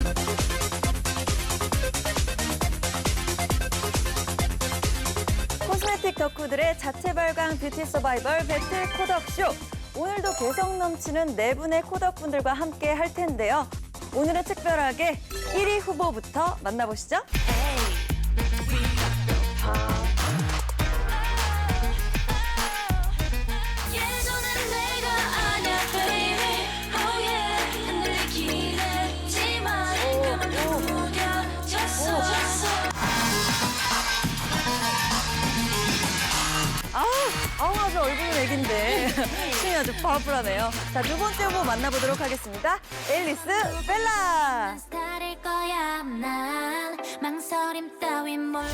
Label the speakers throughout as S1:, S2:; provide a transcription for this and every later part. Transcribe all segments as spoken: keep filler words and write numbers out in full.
S1: 코스메틱 덕후들의 자체 발광 뷰티 서바이벌 배틀 코덕쇼. 오늘도 개성 넘치는 네 분의 코덕분들과 함께 할 텐데요. 오늘은 특별하게 일 위 후보부터 만나보시죠. 아우, 아우 아주 얼굴은 애긴데 춤이 아주 파워풀하네요. 자, 두 번째 후보 만나보도록 하겠습니다. 앨리스 벨라.
S2: 스타일 거야 난 망설임 따윈 몰라.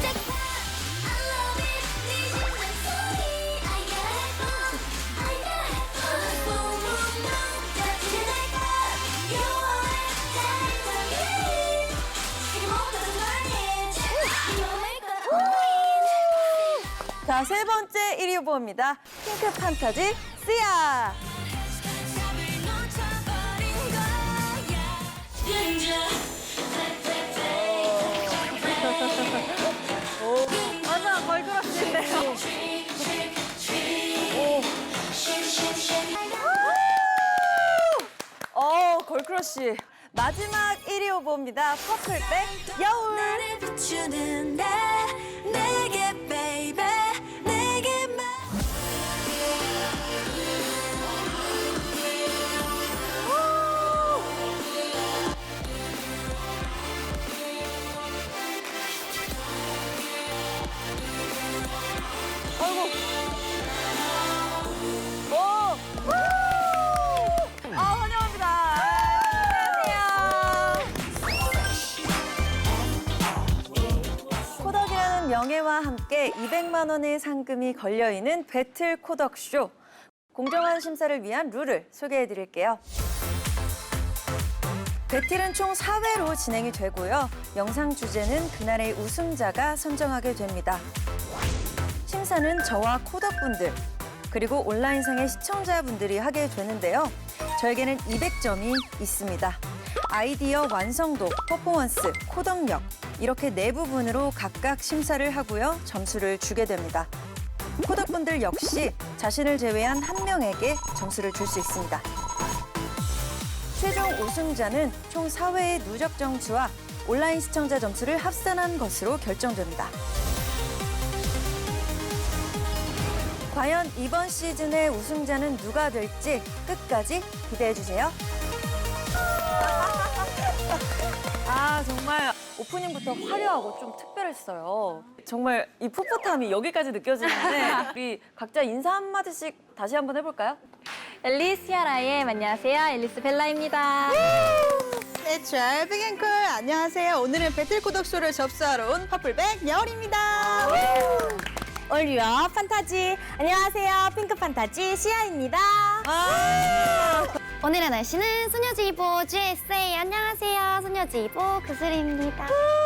S1: 자, 세 번째 일 위 후보입니다. 핑크 판타지 시아. 오, 맞아, 걸그룹인데요. 오, 걸크러쉬. 마지막 일 위 후보입니다. 퍼플백 여울.
S2: 나를 비추는 내 내게 베이베 내게만.
S1: 아이고. 오. 우! 아, 환영합니다. 안녕하세요. 코덕이라는 명예와 함께 이백만 원의 상금이 걸려있는 배틀 코덕쇼. 공정한 심사를 위한 룰을 소개해드릴게요. 배틀은 총 사 회로 진행이 되고요. 영상 주제는 그날의 우승자가 선정하게 됩니다. 심사는 저와 코덕분들, 그리고 온라인상의 시청자분들이 하게 되는데요. 저에게는 이백 점이 있습니다. 아이디어 완성도, 퍼포먼스, 코덕력 이렇게 네 부분으로 각각 심사를 하고요. 점수를 주게 됩니다. 코덕분들 역시 자신을 제외한 한 명에게 점수를 줄 수 있습니다. 최종 우승자는 총 사 회의 누적 점수와 온라인 시청자 점수를 합산한 것으로 결정됩니다. 과연 이번 시즌의 우승자는 누가 될지 끝까지 기대해주세요. 아, 정말 오프닝부터 화려하고 좀 특별했어요. 정말 이 풋풋함이 여기까지 느껴지는데 우리 각자 인사 한마디씩 다시 한번 해볼까요?
S3: 앨리스 시아라의 안녕하세요. 앨리스 벨라입니다.
S4: 내추럴 빅앤쿨 안녕하세요. 오늘은 배틀 코덕쇼를 접수하러 온 퍼플백 여울입니다.
S3: 올리어 판타지 안녕하세요. 핑크 판타지 시아입니다.
S1: 아
S3: 오늘의 날씨는 소녀지이보 지에스에이 안녕하세요. 소녀지이보 그슬입니다.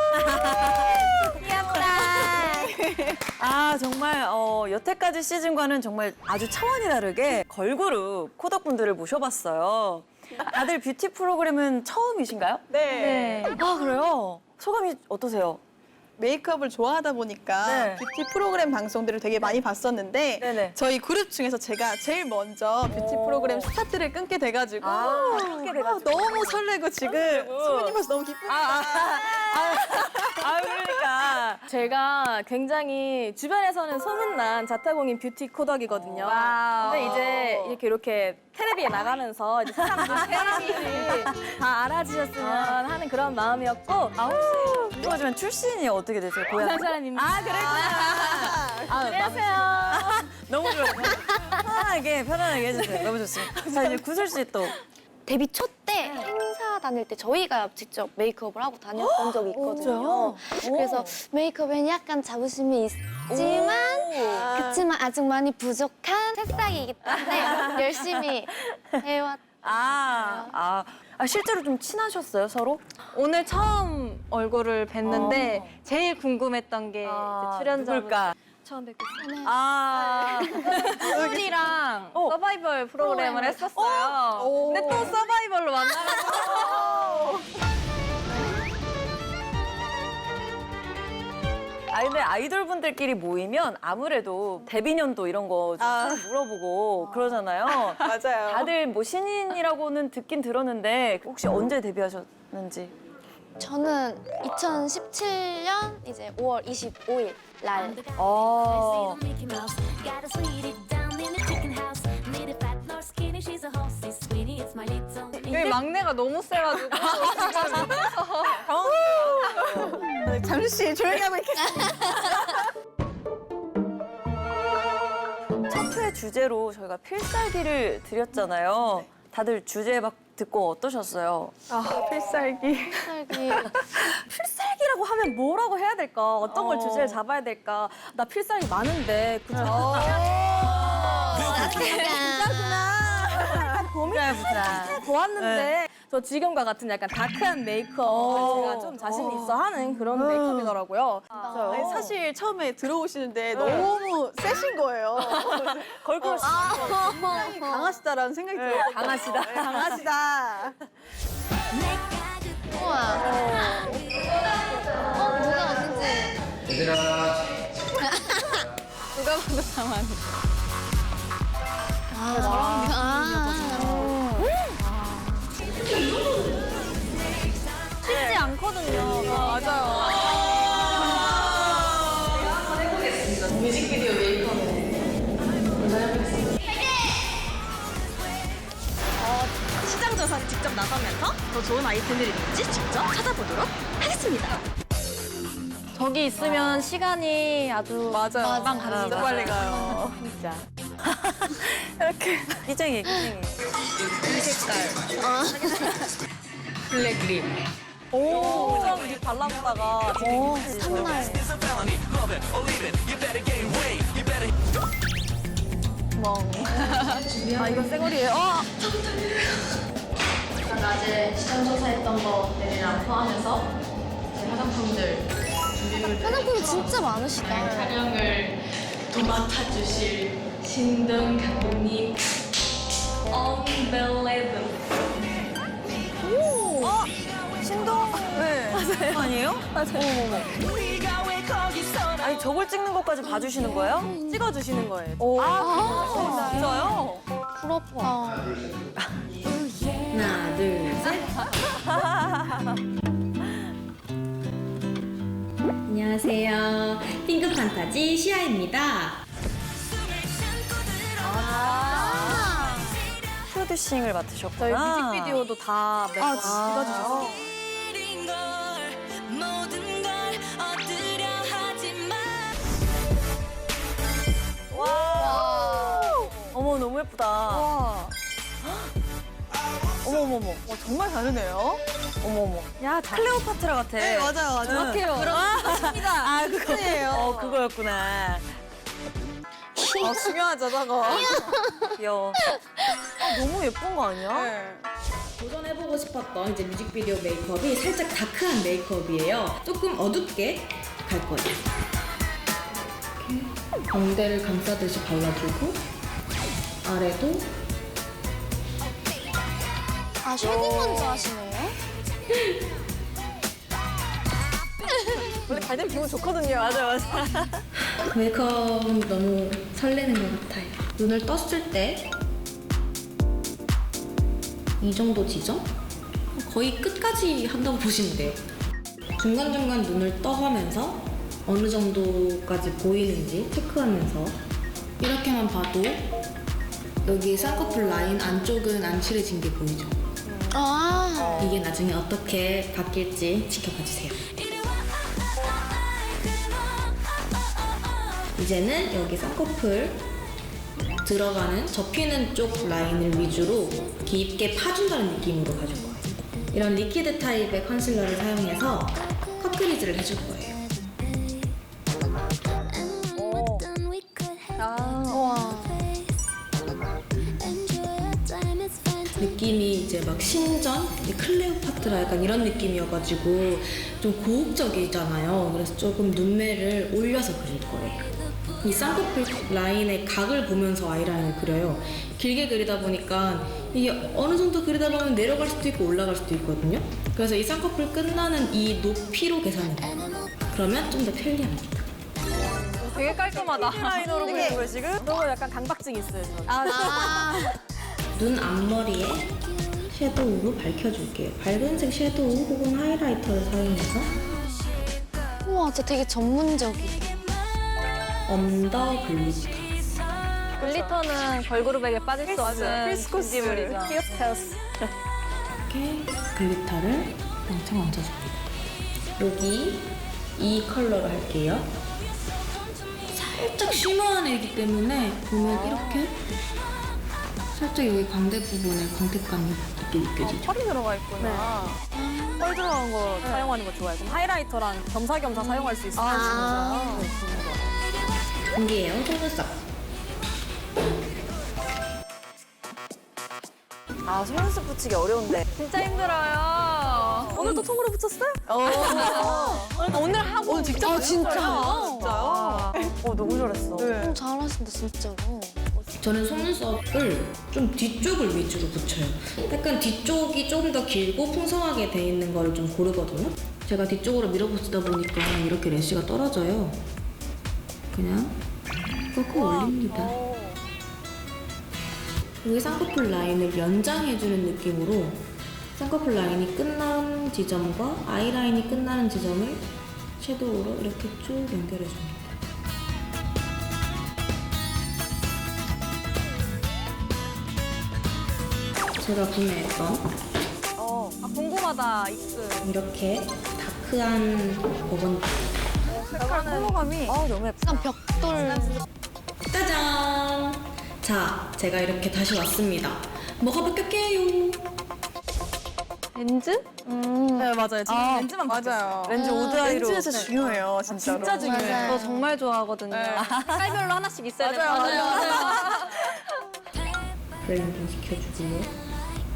S3: 귀엽다.
S1: 아, 정말 어, 여태까지 시즌과는 정말 아주 차원이 다르게 걸그룹 코덕분들을 모셔봤어요. 다들 뷰티 프로그램은 처음이신가요?
S4: 네.
S1: 아, 그래요? 소감이 어떠세요?
S4: 메이크업을 좋아하다 보니까
S1: 네.
S4: 뷰티 프로그램 방송들을 되게 많이 봤었는데
S1: 네네.
S4: 저희 그룹 중에서 제가 제일 먼저 뷰티 프로그램 스타트를 끊게 돼가지고
S1: 아, 끊게 돼가지고.
S4: 아, 너무 설레고 지금
S1: 설레고.
S4: 소문이 벌써 너무 기쁩니다.
S1: 아, 아, 아, 그러니까.
S5: 제가 굉장히 주변에서는 소문난 자타공인 뷰티 코덕이거든요.
S1: 와우.
S5: 근데 이제 이렇게 이렇게 텔레비에 나가면서 이제 사람들, 사람들이 다 알아주셨으면 하는 그런 마음이었고
S1: 아, 혹시 궁금하지만 출신이 어떻게 되세요? 고향?
S5: 부산 사람입니다.
S1: 아, 그랬구나. 아,
S5: 안녕하세요.
S1: 너무 좋아요. 편안하게, 편안하게 해주세요. 너무 좋습니다. 자, 이제 구슬 씨 또.
S3: 데뷔 초 때 행사 다닐 때 저희가 직접 메이크업을 하고 다녔던 적이 있거든요. 그래서 메이크업에는 약간 자부심이 있지만 그렇지만 아직 많이 부족한 새싹이기 때문에 열심히 해왔.
S1: 아, 아, 아, 실제로 좀 친하셨어요, 서로?
S5: 오늘 처음 얼굴을 뵀는데
S1: 어.
S5: 제일 궁금했던 게
S1: 아,
S5: 이제 출연자분
S1: 누굴까?
S5: 처음 뵙고
S1: 아,
S5: 소울이랑
S1: 어.
S5: 서바이벌 프로그램을 했었어요.
S4: 오.
S5: 근데 또 서바이벌로 만나가지고
S1: 아 근데 아이돌 분들끼리 모이면 아무래도 데뷔년도 이런 거 좀
S4: 아.
S1: 물어보고 그러잖아요.
S4: 맞아요.
S1: 다들 뭐 신인이라고는 듣긴 들었는데 혹시 언제 데뷔하셨는지?
S3: 저는 이천십칠 년 이제 오월 이십오일 날
S1: 어.
S2: Mickey Mouse. Gotta sweet it down in the chicken house. Need a fat nor skinny, she's a horsey. Sweetie, it's my little.
S5: 여기 막내가 너무 세가지고
S4: 네, 잠시 조용히 하고 있겠습니다.
S1: 첫 회 주제로 저희가 필살기를 드렸잖아요. 다들 주제 막 듣고 어떠셨어요?
S5: 아 필살기.
S3: 살기
S5: 필살기라고 하면 뭐라고 해야 될까? 어떤 걸
S1: 어.
S5: 주제를 잡아야 될까? 나 필살기 많은데 그죠?
S1: 보자 보자.
S5: 보았는데 저 지금과 같은 약간 다크한 메이크업 제가 좀 자신 있어 하는 그런 메이크업이더라고요.
S4: 아니, 사실 처음에 들어오시는데 너무 세신 거예요.
S1: 걸그룹
S4: 굉장히 강하시다라는 생각이 들어요.
S1: 강하시다.
S4: 강하시다.
S3: 우와 어 누가 왔는지
S6: 얘들아
S5: 누가 봐도 가만히.
S3: 아 저랑
S5: 쉽지 않거든요. 맞아요.
S7: 시장 조사를 직접 나서면서 더 좋은 아이템들이 있는지 직접 찾아보도록 하겠습니다.
S5: 저기 있으면 시간이 아주
S4: 맞아요.
S3: 맞아.
S4: 진짜 빨리 가요.
S5: 진짜.
S1: 끼쟁이 끼쟁이.
S5: 오, 좀 입 발라보다가
S1: 오,
S3: 첫날
S5: 아 이건 쌩얼이에요. 어!
S8: 낮에 시장 조사했던 것들이랑 포함해서 제 화장품들
S3: 화장품이 진짜 많으시다.
S8: 촬영을 도맡아주실 신동 감독님 Unbelievable.
S1: 신동? 네. 맞아요. 아니에요? 맞아요. 어머머. 아니 저걸 찍는 것까지 봐주시는 거예요?
S5: 찍어주시는 거예요.
S1: 오. 아, 진짜요?
S3: 부럽다.
S8: 하나 둘셋 안녕하세요. 핑크 판타지 시아입니다.
S1: 프로듀싱을
S5: 저희
S1: 맡으셨구나.
S5: 뮤직비디오도 다 매번 찍어주셨어요.
S1: 어머 너무 예쁘다.
S4: 와,
S1: 어머 어머 어머.
S4: 어, 정말 다르네요.
S1: 어머 어머.
S5: 야, 다
S1: 클레오파트라 같아.
S4: 네, 맞아요, 맞아요.
S5: 정확해요.
S1: 아 그거예요. 어 그거였구나.
S4: 어, 중요하죠, 저거.
S1: 귀여워. 아, 너무 예쁜 거 아니야?
S4: 네.
S8: 도전해보고 싶었던 이제 뮤직비디오 메이크업이 살짝 다크한 메이크업이에요. 조금 어둡게 갈 거예요. 이렇게 광대를 감싸듯이 발라주고 아래도
S3: 아 쉐딩 먼저 하시네요?
S5: 원래 잘 되면 기분 좋거든요.
S1: 맞아 맞아.
S8: 메이크업은 너무 설레는 것 같아요. 눈을 떴을 때 이 정도 지점? 거의 끝까지 한다고 보시면 돼요. 중간중간 눈을 떠가면서 어느 정도까지 보이는지 체크하면서 이렇게만 봐도 여기 쌍꺼풀 라인 안쪽은 안 칠해진 게 보이죠?
S3: 아
S8: 이게 나중에 어떻게 바뀔지 지켜봐 주세요. 이제는 여기 쌍꺼풀 들어가는 접히는 쪽 라인을 위주로 깊게 파준다는 느낌으로 가줄 거예요. 이런 리퀴드 타입의 컨실러를 사용해서 컷크리즈를 해줄 거예요.
S3: 우와
S8: 느낌이 이제 막 신전, 클레오파트라 약간 이런 느낌이어가지고 좀 고혹적이잖아요. 그래서 조금 눈매를 올려서 그릴 거예요. 이 쌍꺼풀 라인의 각을 보면서 아이라인을 그려요. 길게 그리다 보니까 이게 어느 정도 그리다 보면 내려갈 수도 있고 올라갈 수도 있거든요. 그래서 이 쌍꺼풀 끝나는 이 높이로 계산해요. 그러면 좀 더 편리합니다.
S5: 되게 깔끔하다.
S1: 라이너로 그린 거예요, 지금?
S5: 너무 약간 강박증 있어요, 저는.
S8: 눈 앞머리에 섀도우로 밝혀줄게요. 밝은색 섀도우 혹은 하이라이터를 사용해서
S3: 우와, 진짜 되게 전문적이에요.
S8: 언더 글리터.
S5: 글리터는 걸그룹에게 빠질 수 없는
S4: 필수 코스.
S5: 인물이죠. 필수 코스.
S8: 이렇게 글리터를 왕창 얹어줍니다. 여기 이 컬러로 할게요. 살짝 쉬머한 애기 때문에 보면 이렇게 살짝 여기 광대 부분에 광택감이 있게 느껴지죠.
S5: 펄이 들어가 있구나. 펄 들어간 거 사용하는 거 좋아해요. 그럼 하이라이터랑 겸사겸사 사용할 수 있어요.
S3: 아,
S8: 공기예요. 속눈썹.
S1: 아, 속눈썹 붙이기 어려운데.
S5: 진짜 힘들어요. 오늘도 통으로 붙였어요? 오늘 하고 오늘 직접
S3: 아, 진짜요?
S1: 진짜요? 어, 너무 잘했어.
S3: 음, 잘하신다, 진짜로.
S8: 저는 속눈썹을 좀 뒤쪽을 위주로 붙여요. 약간 뒤쪽이 조금 더 길고 풍성하게 돼 있는 거를 좀 고르거든요. 제가 뒤쪽으로 밀어붙이다 보니까 이렇게 래쉬가 떨어져요. 그냥 꺾어 올립니다. 여기 쌍꺼풀 라인을 연장해주는 느낌으로 쌍꺼풀 라인이 끝난 지점과 아이라인이 끝나는 지점을 섀도우로 이렇게 쭉 연결해줍니다. 제가 구매했던
S5: 아, 궁금하다, 입술.
S8: 이렇게 다크한 버건디.
S5: 컬러감이.
S1: 아, 너무 예쁘다.
S3: 약간 벽돌.
S8: 짜잔! 자, 제가 이렇게 다시 왔습니다. 뭐가 바뀌었게요?
S5: 렌즈?
S3: 음,
S5: 네, 맞아요. 지금
S1: 아,
S5: 렌즈만
S4: 맞아요.
S1: 렌즈 우드 아이로.
S4: 렌즈 진짜 중요해요, 진짜로.
S5: 진짜 중요해요.
S3: 맞아요.
S5: 저 정말 좋아하거든요.
S4: 네.
S5: 깔별로 하나씩 있어야 돼요.
S4: 맞아요,
S5: 맞아요.
S8: 브레인딩 시켜주고요.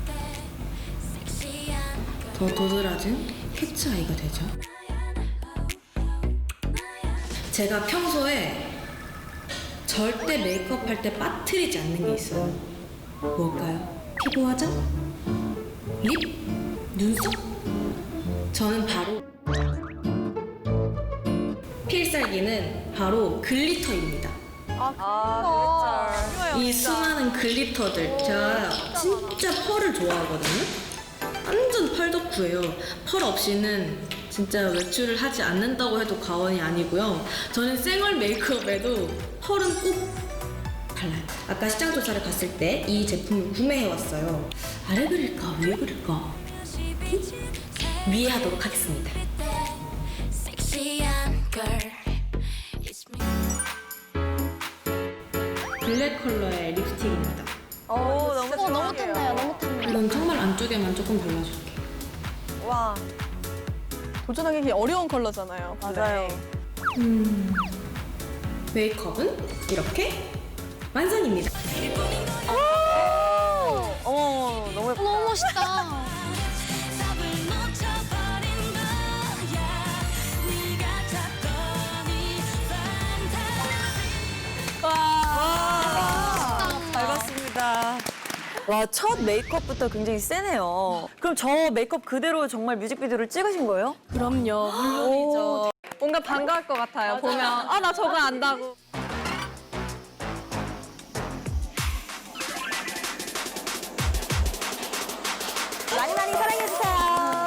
S8: 더 도드라진 캐치 아이가 되죠. 제가 평소에 절대 메이크업 할 때 빠뜨리지 않는 게 있어요. 뭘까요? 피부 화장? 립? 눈썹? 저는 바로 필살기는 바로 글리터입니다.
S1: 아,
S8: 이 수많은 글리터들 제가 진짜 펄을 좋아하거든요. 완전 펄 덕후예요. 펄 없이는 진짜 외출을 하지 않는다고 해도 과언이 아니고요. 저는 생얼 메이크업에도 펄은 꼭 발라요. 아까 시장 조사를 갔을 때 이 제품을 구매해왔어요. 아래 그릴까 위에 그릴까? 음? 위에 하도록 하겠습니다. 블랙 컬러의 립스틱입니다.
S1: 오, 너무
S3: 어, 너무 탐나요, 너무 탐나요.
S8: 이건 정말 안쪽에만 조금 발라줄게요.
S1: 와,
S4: 도전하기 어려운 컬러잖아요.
S1: 맞아요.
S8: 음, 메이크업은 이렇게 완성입니다.
S1: 어머, 너무 예쁘다.
S3: 너무 멋있다.
S1: 잘 봤습니다. 와, 첫 메이크업부터 굉장히 세네요. 그럼 저 메이크업 그대로 정말 뮤직비디오를 찍으신 거예요?
S5: 그럼요. 물론이죠. 뭔가 반가울 것 같아요. 보면 아, 나 저거 안다고.
S1: 많이 많이 사랑해주세요.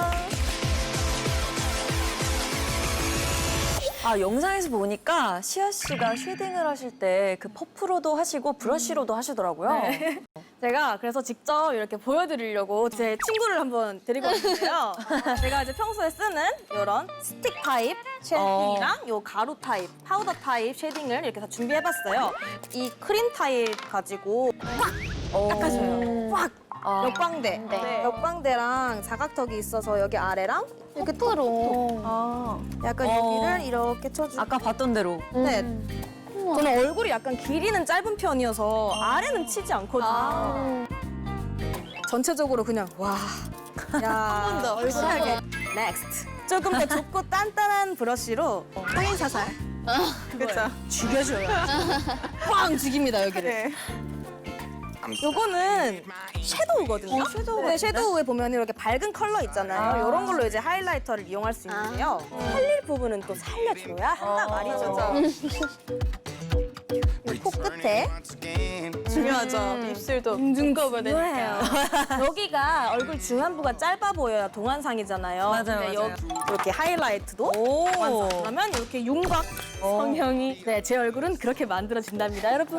S1: 아, 영상에서 보니까 시아 씨가 쉐딩을 하실 때 그 퍼프로도 하시고 브러쉬로도 하시더라고요.
S5: 네. 제가 그래서 직접 이렇게 보여드리려고 제 친구를 한번 데리고 왔는데요. 제가 이제 평소에 쓰는 이런 스틱 타입 쉐딩이랑 요 가루 타입, 파우더 타입 쉐딩을 이렇게 다 준비해봤어요. 이 크림 타입 가지고
S1: 어.
S5: 닦아줘요. 꽉!
S1: 아.
S5: 역광대.
S3: 네.
S5: 역광대랑 사각턱이 있어서 여기 아래랑 이렇게
S3: 끝으로.
S5: 아, 약간
S1: 어.
S5: 여기를 이렇게 쳐주고.
S1: 아까 봤던 대로.
S5: 네. 저는 얼굴이 약간 길이는 짧은 편이어서 아래는 치지 않거든요.
S1: 아.
S5: 전체적으로 그냥 와. 야,
S4: 더.
S5: 얼굴하게. 넥스트. 조금 더 좁고 단단한 브러쉬로 포인 사살.
S4: 그렇죠.
S5: 죽여줘요. 꽝 죽입니다, 여기를.
S4: 네.
S5: 요거는 섀도우거든요. 섀도우. 네, 섀도우에 보면 이렇게 밝은 컬러 있잖아요. 이런 걸로 이제 하이라이터를 이용할 수 있는데요. 살릴 부분은 또 살려줘야 한다 말이죠. 이 코 끝에
S4: 중요하죠. 입술도 둥둥거거든요.
S5: 중요해요. 여기가 얼굴 중안부가 짧아 보여야 동안상이잖아요.
S1: 맞아요,
S5: 근데
S1: 맞아요.
S5: 여기 이렇게 하이라이트도
S1: 오.
S5: 완성하면 이렇게 윤곽 성형이 네, 제 얼굴은 그렇게 만들어진답니다, 여러분.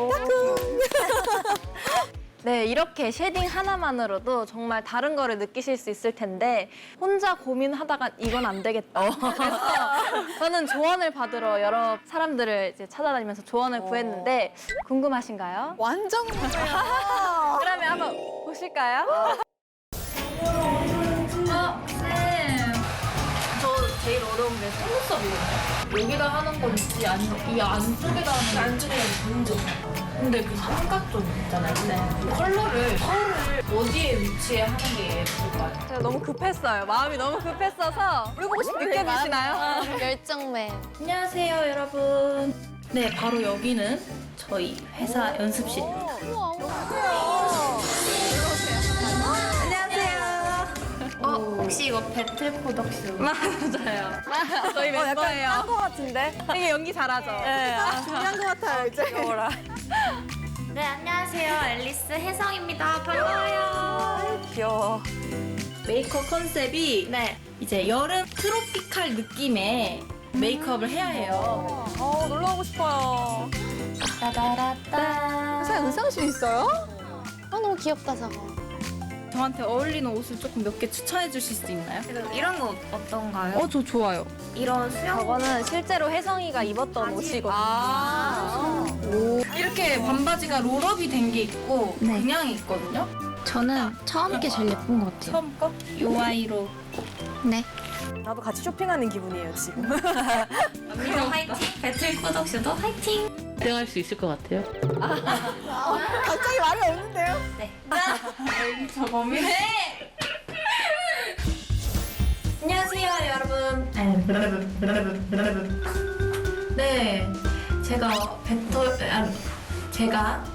S6: 네, 이렇게 쉐딩 하나만으로도 정말 다른 거를 느끼실 수 있을 텐데 혼자 고민하다가 이건 안 되겠다. 그래서 저는 조언을 받으러 여러 사람들을 이제 찾아다니면서 조언을 구했는데 궁금하신가요?
S4: 완전
S6: 그러면 한번 보실까요? 어, 쌤. 저 제일 어려운 게 속눈썹이거든요. 여기다 하는 건지 아니면 이 안쪽에다 하는 건지. 안쪽에다 먼저. 근데 그 삼각존 있잖아요. 네. 컬러를 컬러를 어디에 위치해 하는 게 예쁠까요? 제가 너무 급했어요. 마음이 너무 급했어서 물어보고 싶은 느껴지시나요?
S3: 열정맨.
S8: 안녕하세요, 여러분. 네, 바로 여기는 저희 회사 연습실.
S6: 어, 혹시 이거 배틀 프로덕션? 맞아요. 저희
S5: 어, 약간
S6: 멤버예요.
S5: 딴거 같은데?
S6: 되게 연기 잘하죠?
S5: 네.
S4: 중요한 것 같아요, 이제.
S2: 네, 안녕하세요. 앨리스 혜성입니다. 반가워요.
S5: 귀여워.
S8: 메이크업 컨셉이
S6: 네.
S8: 이제 여름 트로피칼 느낌의 메이크업을 해야 해요.
S5: 어, 놀러 가고 싶어요.
S3: 따다라따.
S4: 회사에 의상실 있어요?
S3: 아, 너무 귀엽다, 저거.
S8: 저한테 어울리는 옷을 조금 몇 개 추천해 주실 수 있나요?
S6: 이런 거 어떤가요?
S8: 어, 저 좋아요.
S6: 이런 수영. 저거는 실제로 혜성이가 입었던 옷이거든요.
S5: 아.
S8: 이렇게 반바지가 롤업이 된 게 있고 그냥 있거든요.
S3: 저는 처음 게 제일 예쁜 것 같아요.
S8: 처음 거? 요 아이로.
S3: 네.
S5: 나도 같이 쇼핑하는 기분이에요, 지금.
S6: 언니도 화이팅! 배틀 프로덕션도 화이팅!
S9: 수행할 수 있을 것 같아요.
S4: 갑자기 말이 없는데요?
S8: 저 범인해! 안녕하세요, 여러분. 네, 제가 배틀, 아, 제가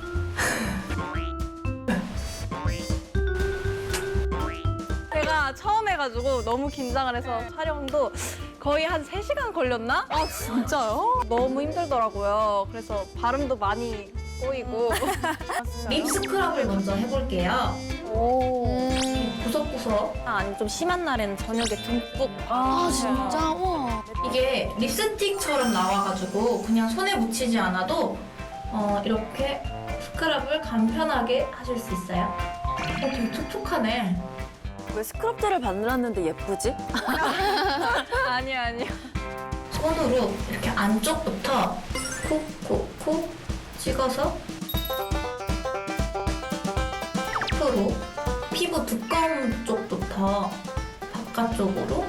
S6: 제가 처음 해가지고 너무 긴장을 해서 촬영도 거의 한 세 시간 걸렸나?
S5: 아, 진짜요?
S6: 너무 힘들더라고요. 그래서 발음도 많이 꼬이고.
S8: 립 스크럽을 먼저 해볼게요.
S3: 음.
S8: 구석구석.
S6: 아니, 좀 심한 날에는 저녁에 듬뿍.
S3: 아, 진짜? 와.
S8: 이게 립스틱처럼 나와가지고 그냥 손에 묻히지 않아도 어, 이렇게 스크럽을 간편하게 하실 수 있어요. 어, 되게 촉촉하네.
S1: 왜 스크럽제를 발랐는데 예쁘지?
S6: 아니, 아니.
S8: 손으로 이렇게 안쪽부터 콕콕콕 찍어서 앞으로 피부 두꺼운 쪽부터 바깥쪽으로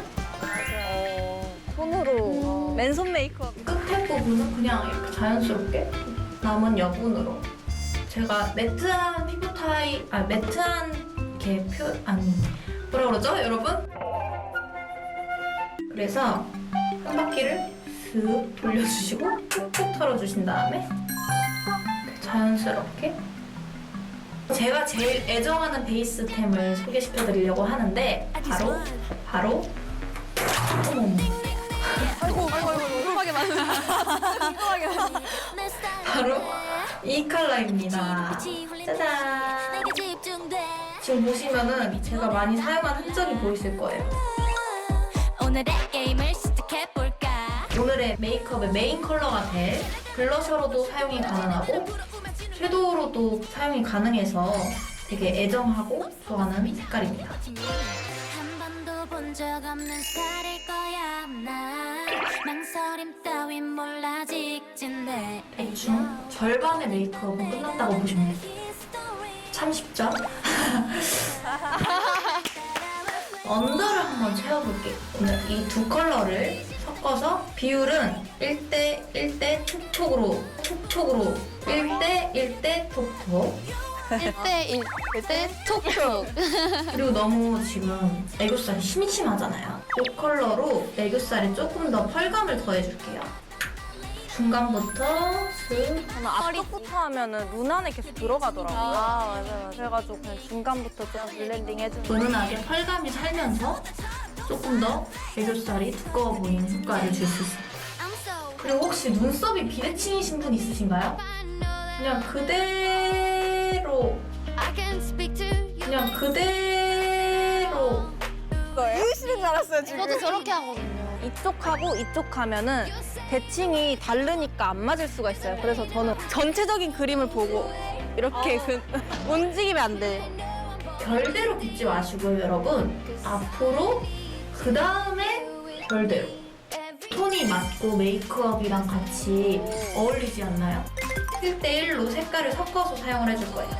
S6: 손으로. 맨손 메이크업.
S8: 끝에 부분은 그냥 이렇게 자연스럽게 남은 여분으로 제가 매트한 피부 타입, 아 매트한 이렇게 표, 아니 뭐라 그러죠 여러분? 그래서 한 바퀴를 슥 돌려주시고 툭툭 털어주신 다음에 자연스럽게 제가 제일 애정하는 베이스템을 소개시켜드리려고 하는데 바로 바로 어머머
S5: 아이고, 아이고, 아이고, 궁금하게 많은.
S8: 바로 이 컬러입니다. 짜잔! 지금 보시면은 제가 많이 사용한 흔적이 보이실 거예요.
S2: 오늘의 게임을 시작해볼까?
S8: 오늘의 메이크업의 메인 컬러가 될 블러셔로도 사용이 가능하고 섀도우로도 사용이 가능해서 되게 애정하고 좋아하는 색깔입니다.
S2: 한 번도 본 적 없는 스타일일 거야 나 망설임 따윈 몰라 직진돼
S8: 대충 절반의 메이크업은 끝났다고 보시면 돼요. 참 쉽죠? 언더를 한번 채워볼게요. 오늘 이 두 컬러를 섞어서 비율은 일 대 일 대 촉촉으로 촉촉으로 일 대 일 대 톡톡
S3: 일 대 일 대 톡톡.
S8: 그리고 너무 지금 애교살이 심심하잖아요. 이 컬러로 애교살에 조금 더 펄감을 더해줄게요.
S6: 중간부터 슥.
S5: 저는 앞쪽부터 하면은 눈 안에 계속 들어가더라고요.
S3: 아 맞아 맞아.
S5: 그래가지고 그냥 중간부터 좀 블렌딩 해주는.
S6: 은은하게 펄감이 살면서 조금 더 애교살이 두꺼워 보이는 효과를 줄 수 있어요. 그리고 혹시 눈썹이 비대칭이신 분 있으신가요? 그냥 그대로
S2: I can speak to you.
S6: 그냥 그대로
S5: 이으시는 줄 알았어요, 지금.
S3: 저도 저렇게 하거든요.
S5: 이쪽하고 이쪽 하면은 대칭이 다르니까 안 맞을 수가 있어요. 그래서 저는 전체적인 그림을 보고 이렇게 그 움직이면 안 돼.
S6: 별대로 빗지 마시고요, 여러분. 앞으로 그 다음에 별대로. 톤이 맞고 메이크업이랑 같이 어울리지 않나요? 일 대 일로 색깔을 섞어서 사용을 해줄 거예요.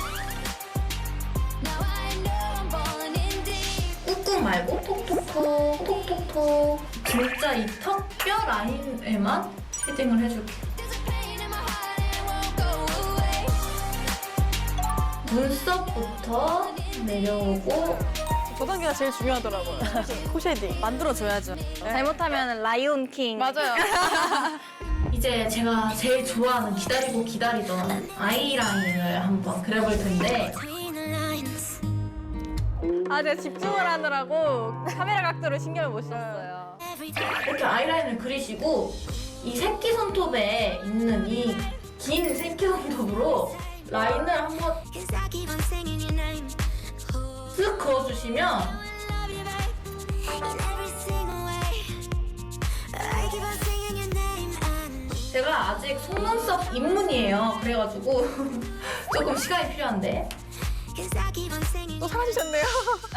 S2: Now I know I'm falling in deep.
S6: 꾹꾹 말고 톡톡톡 톡톡톡. 진짜 이 턱뼈 라인에만 쉐딩을 해줄게요.
S2: There's a pain in my heart and it won't go away.
S6: 눈썹부터 내려오고
S5: 저 단계가 제일 중요하더라고요. 코쉐딩 만들어줘야죠. 잘못하면 라이온 킹. 맞아요.
S6: 이제 제가 제일 좋아하는 기다리고 기다리던 아이라인을 한번 그려볼 텐데
S2: Between the lines.
S5: 아, 제가 집중을 하느라고 카메라 각도를 신경을 못 썼어요.
S2: Every time.
S6: 이렇게 아이라인을 그리시고 이 새끼손톱에 있는 이 긴 새끼손톱으로 라인을 한번
S2: Cause I keep on singing your name. Oh,
S6: 쓱 그어주시면
S2: I love you, babe. In every single way. I keep on singing your name. And
S6: 제가 아직 속눈썹 입문이에요. 그래가지고 조금 시간이 필요한데
S2: cause I keep on singing.
S5: 또 사라지셨네요.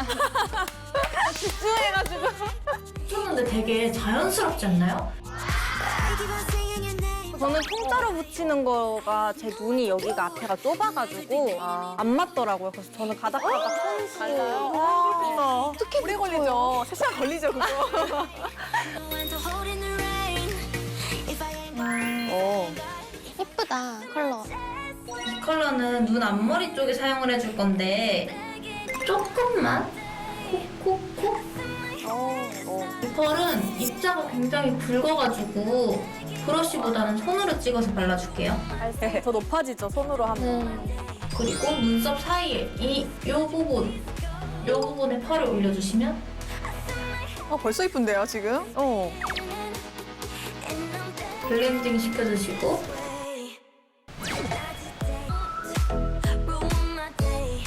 S5: 집중해가지고.
S6: 쳤는데 되게 자연스럽지 않나요?
S2: I keep on singing your name.
S5: 저는 통짜로 붙이는 거가 제 눈이 여기가 앞에가 좁아가지고 안 맞더라고요. 그래서 저는 가닥가닥 손수. 달라요?
S3: 어떻게
S5: 오래 걸리죠. 세 시간 걸리죠, 그거.
S2: When to hold in the rain. If I ain't
S1: 어.
S3: 예쁘다 컬러.
S6: 이 컬러는 눈 앞머리 쪽에 사용을 해줄 건데 조금만 콕콕콕. 이 펄은 입자가 굉장히 붉어가지고 브러쉬보다는 손으로 찍어서 발라줄게요.
S5: 더 높아지죠, 손으로 하면.
S3: 음.
S6: 그리고 눈썹 사이에 이 요 부분, 요 부분에 펄을 올려주시면
S5: 어, 벌써 이쁜데요, 지금? 어.
S6: 블렌딩 시켜주시고
S2: ruin my day.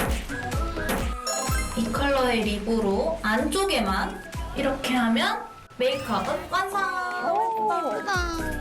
S6: 이 컬러의 립으로 안쪽에만 이렇게 하면 메이크업은 완성!
S3: 예쁘다.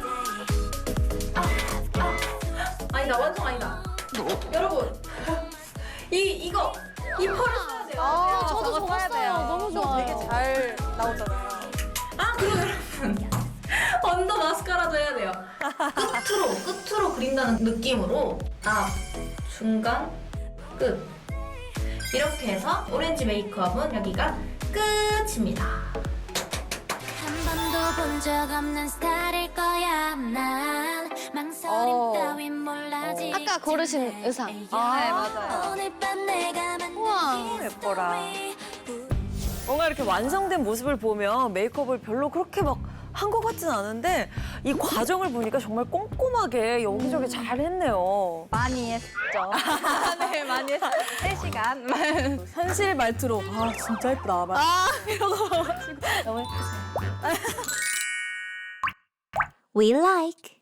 S6: 아니다, 완성 아니다. 여러분, 이 이거 이 펄을 써야 돼요.
S3: 아, 저도 저거 써요. 너무 좋아요.
S5: 되게 잘 나오잖아요.
S6: 아, 그리고 여러분, 언더 마스카라도 해야 돼요. 끝으로 끝으로 그린다는 느낌으로 앞, 중간, 끝 이렇게 해서 오렌지 메이크업은 여기가 끝입니다.
S2: 한 번도 본 적 없는 스타일일 거야. 난 망설임
S5: 어.
S2: 따윈 몰라지.
S3: 아까 고르신 의상.
S5: 아, 네, 맞아요.
S2: 오늘 밤 내가 만든
S3: 우와.
S1: 예뻐라. 뭔가 이렇게 완성된 모습을 보면 메이크업을 별로 그렇게 막 한 것 같진 않은데 이 과정을 보니까 정말 꼼꼼하게 여기저기 잘 했네요.
S5: 많이 했죠. 네, 많이 했어요. 세 시간. 현실 말투로, 아, 진짜 예쁘다. 막 이러고 와가지고 너무 예뻤어요.
S2: We like